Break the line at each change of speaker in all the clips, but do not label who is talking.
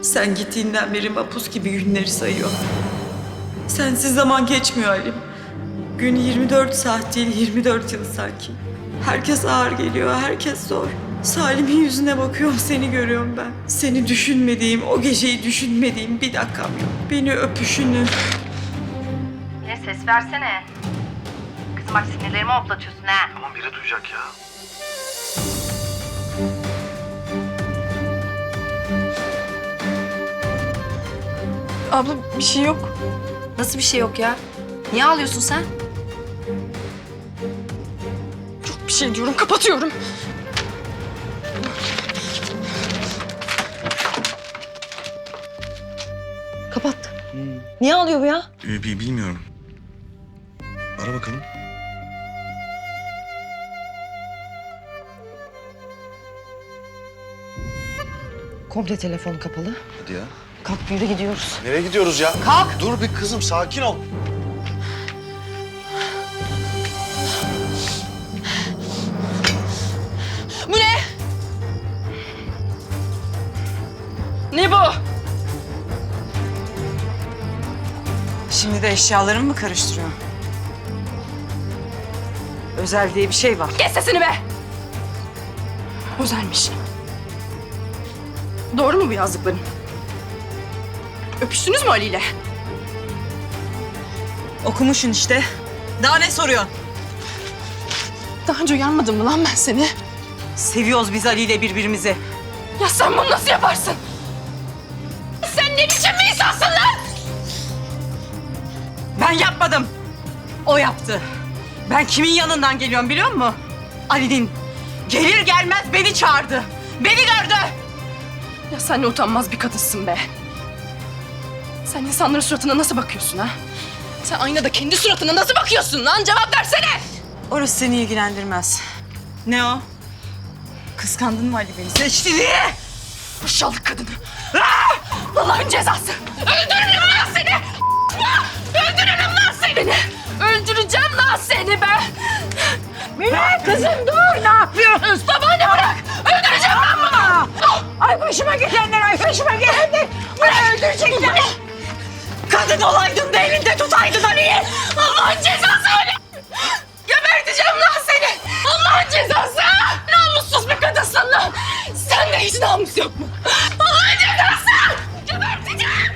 Sen gittiğinden beri mapus gibi günleri sayıyor. Sensiz zaman geçmiyor Halim. Gün 24 saat değil 24 yıl sanki. Herkes ağır geliyor, herkes zor. Salim'in yüzüne bakıyorum, seni görüyorum ben. Seni düşünmediğim, o geceyi düşünmediğim bir dakikam yok. Beni öpüşünü.
Yine ses versene. Kızım bak sinirlerimi hoplatıyorsun ha.
Tamam biri duyacak ya.
Abla bir şey yok.
Nasıl bir şey yok ya? Niye ağlıyorsun sen?
Yok bir şey diyorum, kapatıyorum.
Kapat. Niye ağlıyor bu ya?
Bilmiyorum. Ara bakalım.
Komple telefon kapalı.
Hadi ya.
Kalk yürü gidiyoruz.
Nereye gidiyoruz ya?
Kalk.
Dur bir kızım, sakin ol.
Bu ne? Ne bu?
Şimdi de eşyalarımı mı karıştırıyor? Özel diye bir şey var.
Kes sesini be! Özelmiş. Doğru mu bu yazdıkların? Öpüştünüz mü Ali ile?
Okumuşsun işte. Daha ne soruyorsun?
Daha önce uyarmadım mı lan ben seni?
Seviyoruz biz Ali ile birbirimizi.
Ya sen bunu nasıl yaparsın? Sen ne biçim bir insansın lan?
Ben yapmadım. O yaptı. Ben kimin yanından geliyorum biliyor musun? Ali'nin. Gelir gelmez beni çağırdı. Beni gördü.
Ya sen ne utanmaz bir kadınsın be. Sen insanların suratına nasıl bakıyorsun ha? Sen aynada kendi suratına nasıl bakıyorsun lan? Cevap versene!
Orası seni ilgilendirmez. Ne o? Kıskandın mı Ali beni? Seçti diye.
Aşağılık kadını. Allah'ın cezası. Öldürürüm lan seni. Öldürürüm lan seni. Öldüreceğim lan seni ben. Mine kızım dur. Ne yapıyorsunuz? Babaanne bırak. Öldüreceğim ben bunu.
Ay başıma gelenler, ay başıma gelenler. Beni öldürecekler. Kadın olaydın da elinde tutaydın Ali'yi.
Allah'ın cezası öyle. Geberteceğim lan seni. Allah'ın cezası. Namussuz bir kadınsın lan. Sende hiç namus yok mu? Allah'ın cezası. Geberteceğim.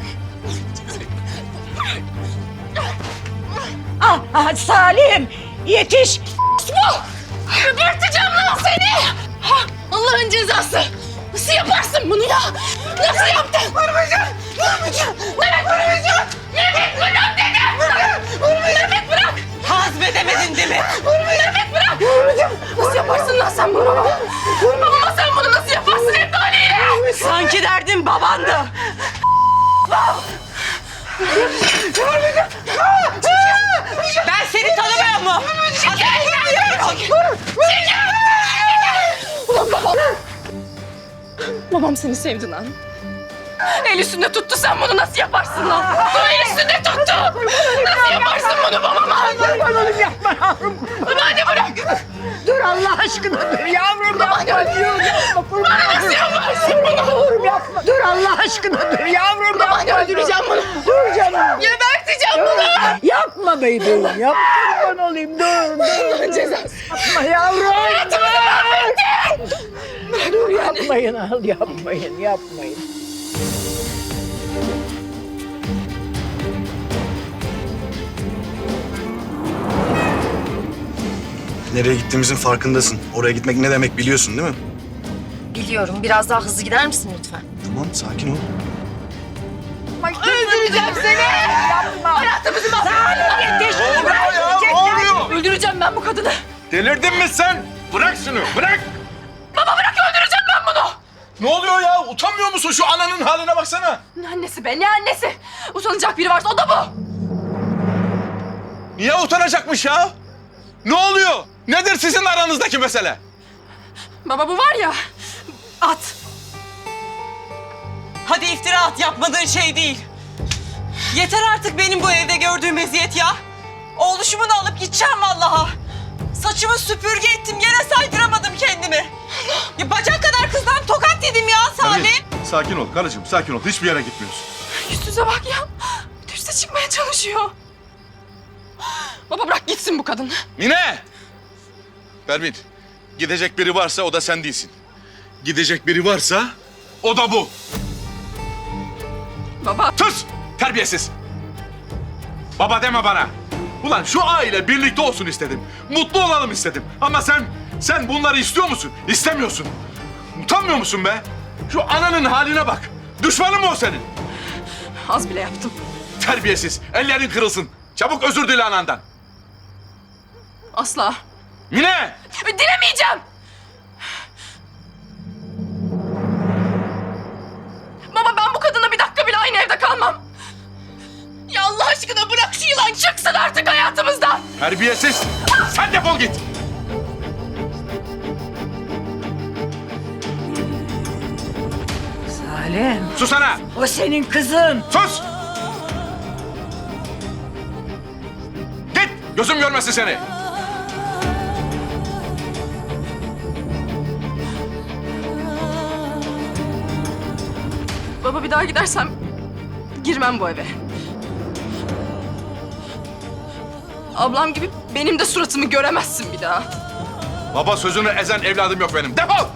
Ah Salim yetiş.
Bu. Geberteceğim lan seni. Allah'ın cezası. Nasıl yaparsın bunu ya? Nasıl yaptın? Vurmayacağım. Vurmayacağım. Mehmet vurmayacağım. Mehmet bırak dedim. Mehmet bırak.
Hazmedemedin değil mi?
Mehmet bırak. Vurmayacağım. Nasıl yaparsın lan sen bunu? Babama sen bunu nasıl yaparsın hep de Ali'yle?
Sanki derdin babandı. Ben seni tanımıyor mu?
Ulan babam. Babam seni sevdi lan. El üstünde tuttu, sen bunu nasıl yaparsın lan? El üstünde tuttu. Nasıl yaparsın bunu babama?
Oğlum yapma yavrum.
Babaanne bırak.
Dur Allah aşkına dur yavrum yapma diyorum.
Bana nasıl yaparsın bunu?
Yavrum yapma. Dur Allah aşkına dur yavrum
Babaanne
yapma.
öldüreceğim bunu.
Dur canım.
Geberteceğim bunu.
Yapma bebeğim. Yap kurban olayım. Dur.
Cezası.
Yapma yavrum.
Hayatımızı mahvettin.
Dur yapmayın al yapmayın.
Nereye gittiğimizin farkındasın. Oraya gitmek ne demek biliyorsun değil mi?
Biliyorum. Biraz daha hızlı gider misin lütfen?
Tamam, sakin ol.
Öldüreceğim seni.
Yapma.
Hayatımızı mahvettin.
Yetiş.
Ne oluyor?
Öldüreceğim ben bu kadını.
Delirdin mi sen? Bırak şunu, bırak!
Baba bırak, öldüreceğim ben bunu.
Ne oluyor ya? Utanmıyor musun? Şu ananın haline baksana.
Ne annesi be, ne annesi? Utanacak biri varsa o da bu.
Niye utanacakmış ya? Ne oluyor? Nedir sizin aranızdaki mesele?
Baba bu var ya,
At. Hadi iftira at, yapmadığın şey değil. Yeter artık benim bu evde gördüğüm eziyet ya. Oğluşumu da alıp gideceğim vallaha. Saçımı süpürge ettim, yere saydıramadım kendimi. Ya bacak kadar kızdan tokat yedim ya Salim.
Sakin ol karıcığım, sakin ol. Hiçbir yere gitmiyorsun.
Yüz yüze bak ya. Üste çıkmaya çalışıyor. Baba bırak gitsin bu kadın.
Mine! Pervin, gidecek biri varsa o da sen değilsin. Gidecek biri varsa o da bu.
Baba.
Sus! Terbiyesiz! Baba deme bana. Ulan şu aile birlikte olsun istedim. Mutlu olalım istedim. Ama sen bunları istiyor musun? İstemiyorsun. Utanmıyor musun be? Şu ananın haline bak. Düşmanın mı o senin?
Az bile yaptım.
Terbiyesiz. Ellerin kırılsın. Çabuk özür dile anandan.
Asla.
Mine!
Dilemeyeceğim. Baba ben bu kadınla bir dakika bile aynı evde kalmam. Ya Allah aşkına bırak şu yılan çıksın artık hayatımızdan.
Terbiyesiz. Sen defol git.
Salim,
Sus ana.
o senin kızın.
Sus! Git! Gözüm görmesin seni.
Baba bir daha gidersem girmem bu eve. Ablam gibi benim de suratımı göremezsin bir daha.
Baba sözünü ezen evladım yok benim. Defol!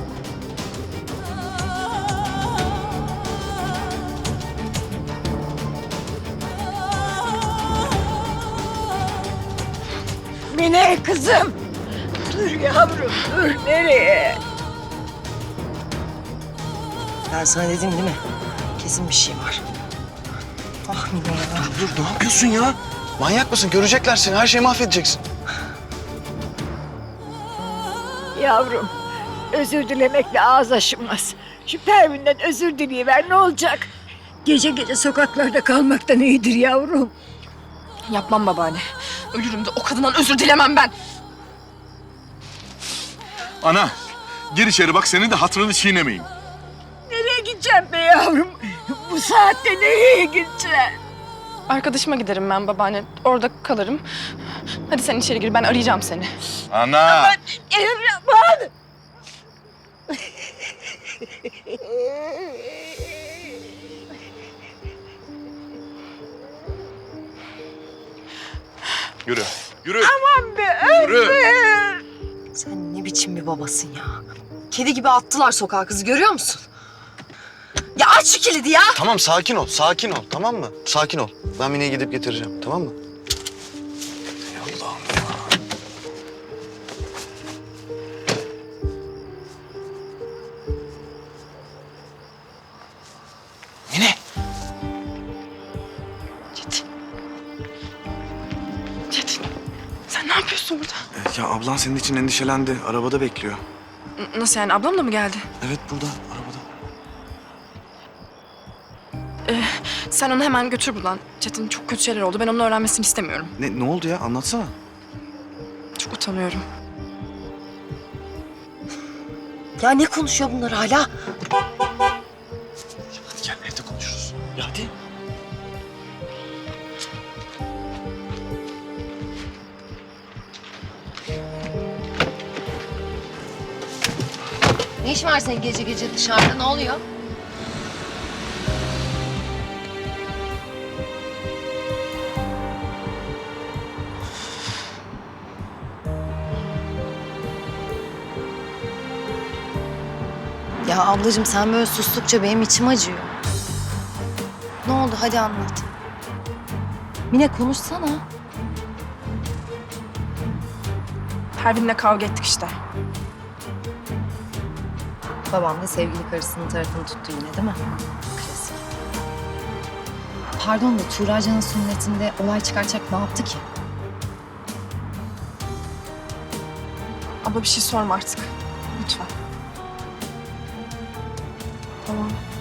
Mine kızım. Dur yavrum, dur. Nereye?
Ben sana dedim değil mi? Kesin bir şey var. Ah Mine ya.
Dur, ne yapıyorsun ya? Manyak mısın? Görecekler seni. Her şeyi mahvedeceksin.
Yavrum, özür dilemekle ağız aşınmaz. Şu Pervin'den özür dileyiver, ne olacak? Gece gece sokaklarda kalmaktan iyidir yavrum.
Yapmam babaanne. Ölürüm de o kadından özür dilemem ben.
Ana, gir içeri bak senin de hatırını çiğnemeyeyim.
Nereye gideceğim be yavrum? Bu saatte nereye gideceğim?
Arkadaşıma giderim ben babaanne. Orada kalırım. Hadi sen içeri gir ben arayacağım seni.
Ana!
Erman!
Yürü, yürü.
Aman be
Yürü.
Ömer!
Sen ne biçim bir babasın ya? Kedi gibi attılar sokağa kızı görüyor musun? Ya aç şu kilidi ya!
Tamam, sakin ol. Sakin ol, tamam mı? Sakin ol. Ben Mine'yi gidip getireceğim, tamam mı? Ey Allah'ım ya. Mine!
Çetin sen ne yapıyorsun burada?
Ya ablan senin için endişelendi. Arabada bekliyor.
Nasıl yani ablam da mı geldi?
Evet, burada, arabada.
Sen onu hemen götür buradan. Çetin çok kötü şeyler oldu. Ben onun öğrenmesini istemiyorum.
Ne oldu ya? Anlatsana.
Çok utanıyorum.
Ya ne konuşuyor bunlar hala?
Hadi gel, evde konuşuruz. Ya hadi.
Ne iş var senin gece gece dışarıda? Ne oluyor? Ya ablacığım sen böyle sustukça benim içim acıyor. Ne oldu? Hadi anlat. Mine konuşsana.
Pervin'le kavga ettik işte.
Babam da sevgili karısının tarafını tuttu yine değil mi? Klasik. Pardon da Tuğra'canın sünnetinde olay çıkaracak ne yaptı ki?
Abla bir şey sorma artık. Lütfen.
Tamam.